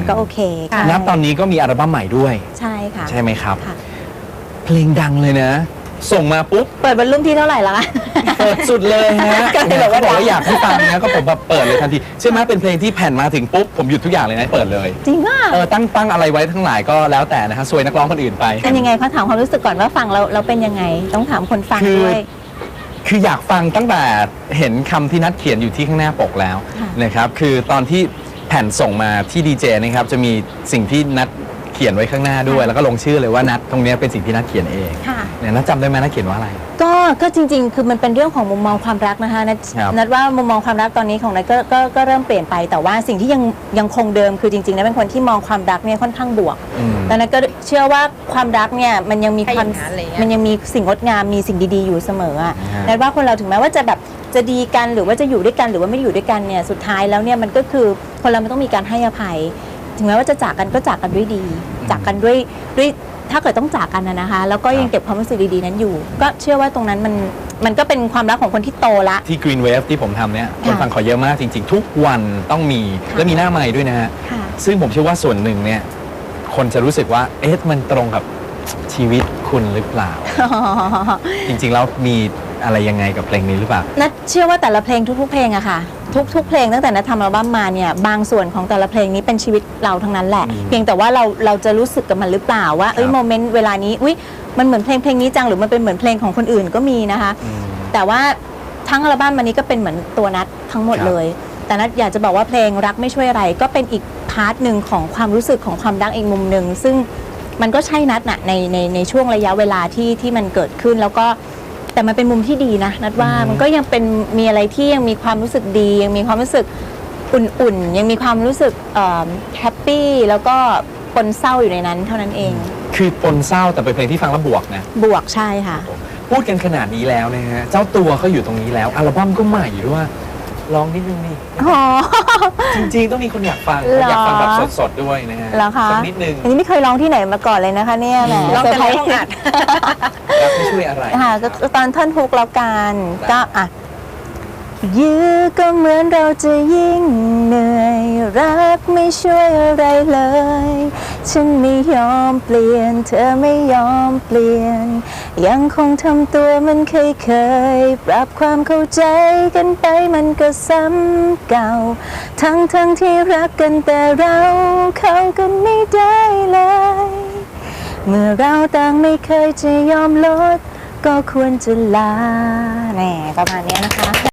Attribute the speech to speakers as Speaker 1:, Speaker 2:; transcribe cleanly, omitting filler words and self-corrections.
Speaker 1: ก็โอเค
Speaker 2: นับตอนนี้ก็มีอัลบั้มใหม่ด้วย
Speaker 1: ใช่ค่ะ
Speaker 2: ใช่ไหมครับเพลงดังเลยนะส่งมาปุ๊บ
Speaker 1: เปิดบรรลุที่เท่าไหร่ละ
Speaker 2: เปิดสุดเลยฮะเขาบอกว่าอยากให้ฟังนะก็ผมแบบเปิดเลยทันทีใช่ไหมเป็นเพลงที่แผ่นมาถึงปุ๊บผมหยุดทุกอย่างเลยนะเปิดเลย
Speaker 1: จริงอ่ะ
Speaker 2: ตั้งอะไรไว้ทั้งหลายก็แล้วแต่นะฮะซวยนักร้องคนอื่นไป
Speaker 1: เป็นยังไงเขาถามความรู้สึกก่อนว่าฟังเราเป็นยังไงต้องถามคนฟังด้วย
Speaker 2: คืออยากฟังตั้งแต่เห็นคำที่นัดเขียนอยู่ที่ข้างหน้าปกแล้วนะครับคือตอนที่แผ่นส่งมาที่ดีเจนะครับจะมีสิ่งที่นัดเขียนไว้ข้างหน้าด้วยแล้วก็ลงชื่อเลยว่านัดตรงนี้เป็นสิ่งที่นัดเขียนเองเนี่ยนัดจำได้ไหมนัดเขียนว่าอะไร
Speaker 1: ก็จริงๆคือมันเป็นเรื่องของมุมมองความรักนะคะนัดว่ามุมมองความรักตอนนี้ของนัดก็เริ่มเปลี่ยนไปแต่ว่าสิ่งที่ยังคงเดิมคือจริงๆนัดเป็นคนที่มองความรักเนี่ยค่อนข้างบวกแล้วนัดก็เชื่อว่าความรักเนี่ยมันยังมีสิ่งงดงามมีสิ่งดีๆอยู่เสมอนัดว่าคนเราถึงแม้ว่าจะแบบจะดีกันหรือว่าจะอยู่ด้วยกันหรือว่าไม่อยู่ด้วยกันเนี่ยสุดท้ายแล้วเนี่ยมันก็คือคนเรามันต้องมีการให้อภัยถึงแม้ว่าจะจากกันก็จากกันด้วยดีจากกันด้วยถ้าเกิดต้องจากกันนะคะแล้วก็ยังเก็บความรู้สึกดีๆนั้นอยู่ก็เชื่อว่าตรงนั้นมันก็เป็นความรักของคนที่โตละ
Speaker 2: ที่ Green Wave ที่ผมทำเนี่ยคนฟังขอเยอะมากจริงๆทุกวันต้องมีและมีหน้าใหม่ด้วยนะฮะซึ่งผมเชื่อว่าส่วนหนึ่งเนี่ยคนจะรู้สึกว่ามันตรงกับชีวิตคุณหรือเปล่าจริงๆแล้วมีอะไรยังไงกับเพลงนี้หรือเปล่า
Speaker 1: นัทเชื่อว่าแต่ละเพลงทุกๆเพลงอะค่ะทุกเพลงตั้งแต่นัททำอัลบั้มมาเนี่ยบางส่วนของแต่ละเพลงนี้เป็นชีวิตเราทั้งนั้นแหละเพียงแต่ว่าเราจะรู้สึกกับมันหรือเปล่าว่าโมเมนต์เวลานี้มันเหมือนเพลงนี้จังหรือมันเป็นเหมือนเพลงของคนอื่นก็มีนะคะแต่ว่าทั้งอัลบั้มมันนี้ก็เป็นเหมือนตัวนัททั้งหมดเลยแต่นัทอยากจะบอกว่าเพลงรักไม่ช่วยอะไรก็เป็นอีกพาร์ทหนึ่งของความรู้สึกของความรักอีกมุมหนึ่งซึ่งมันก็ใช่นัทนะในช่วงระยะเวลาที่มันเกิดขึ้นแล้วก็แต่มันเป็นมุมที่ดีนะนัทว่ามันก็ยังเป็นมีอะไรที่ยังมีความรู้สึกดียังมีความรู้สึกอุ่นๆยังมีความรู้สึกแฮปปี้แล้วก็ปนเศร้าอยู่ในนั้นเท่านั้นเอง
Speaker 2: คือปนเศร้าแต่เป็นเพลงที่ฟังแล้วบวกนะ
Speaker 1: บวกใช่ค่ะ
Speaker 2: พูดกันขนาดนี้แล้วนะฮะเจ้าตัวเขาอยู่ตรงนี้แล้วอัลบั้มก็ใหม่ด้วยร้องนิดนึงนี่จริงๆต้องมีคนอยากฟังแบบสดๆด้วยนะฮะสักนิดนึง
Speaker 1: อันนี้ไม่เคยร้องที่ไหนมาก่อนเลยนะคะเนี่ย
Speaker 3: ร้องแต่ในห้องอัด
Speaker 2: รักไม่ช่วยอะไร
Speaker 1: ค่ะก็ตอนท่อนฮุกแล้วกันก็ยื้อก็เหมือนเราจะยิ่งเหนื่อยรักไม่ช่วยอะไรเลยฉันไม่ยอมเปลี่ยนเธอไม่ยอมเปลี่ยนยังคงทำตัวมันเคยปรับความเข้าใจกันไปมันก็ซ้ำเก่าทั้งที่รักกันแต่เราเข้ากันไม่ได้เลยเมื่อเราต่างไม่เคยจะยอมลดก็ควรจะลาแหมประมาณนี้นะคะ